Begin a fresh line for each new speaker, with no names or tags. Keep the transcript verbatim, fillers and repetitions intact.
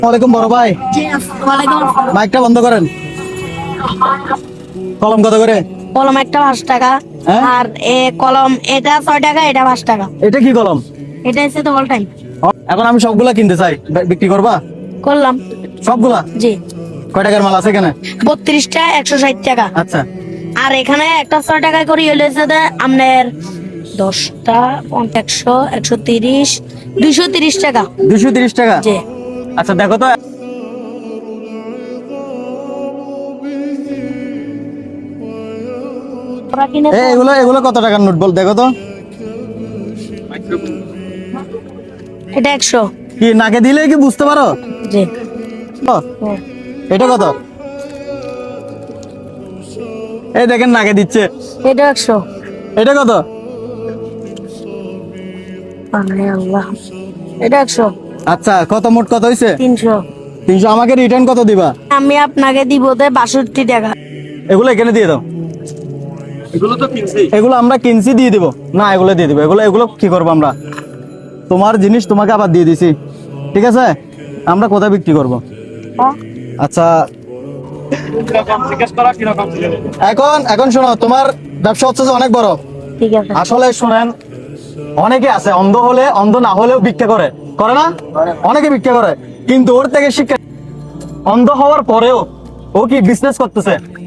ওয়ালাইকুম বড় ভাই, মাইকটা বন্ধ করেন। কলম কত করে?
কলম একটা পাঁচ টাকা।
হ্যাঁ?
আর এ কলম এটা ছয় টাকা, এটা পাঁচ টাকা।
এটা কি কলম?
এটা হচ্ছে তো অল টাইম।
এখন আমি সবগুলা কিনতে চাই, বে- বিক্রি করবা
করলাম।
সবগুলা?
জি।
কয় টাকার মাল আছে এখানে?
বত্রিশটা একশো ষাট টাকা।
আচ্ছা,
আর এখানে একটা ছয় টাকা করে হলে যে আপনার দশটা একশো একশো তিরিশ দুইশো তিরিশ টাকা।
দুইশো তিরিশ টাকা।
জি।
আচ্ছা দেখো তো,
ওরা কিনে
এ, এগুলো এগুলো কত টাকার নোট বল, দেখো তো।
এটা একশো।
কি নাকে দিলে কি বুঝতে পারো?
জি।
ও, এটা কত? এই দেখেন নাকে দিচ্ছে।
এটা একশো।
এটা কত?
আরে আল্লাহ। এটা একশো।
আচ্ছা, কত মোট কত হয়েছে?
তিনশো।
তিনশো। আমাকে রিটার্ন কত দিবা?
আমি আপনাকে দিব দে বাষট্টি টাকা।
এগুলো এখানে দিয়ে দাও। এগুলো আমরা কিনছি, দিয়ে দিব না, এগুলো দিয়ে দিব। এগুলো এগুলো কি করবো আমরা? তোমার জিনিস তোমাকে আবার দিয়ে দিছি, ঠিক আছে? আমরা কোথায় বিক্রি করব? আচ্ছা, এখন এখন শোনো, তোমার ব্যবসা হচ্ছে যে অনেক বড়।
ঠিক আছে।
আসলে শুনেন, অনেকে আছে অন্ধ হলে অন্ধ না হলেও ভিক্ষা করে, করে না? অনেকে ভিক্ষা করে, কিন্তু ওর থেকে শিক্ষা, অন্ধ হওয়ার পরেও ও কি বিজনেস করতেছে।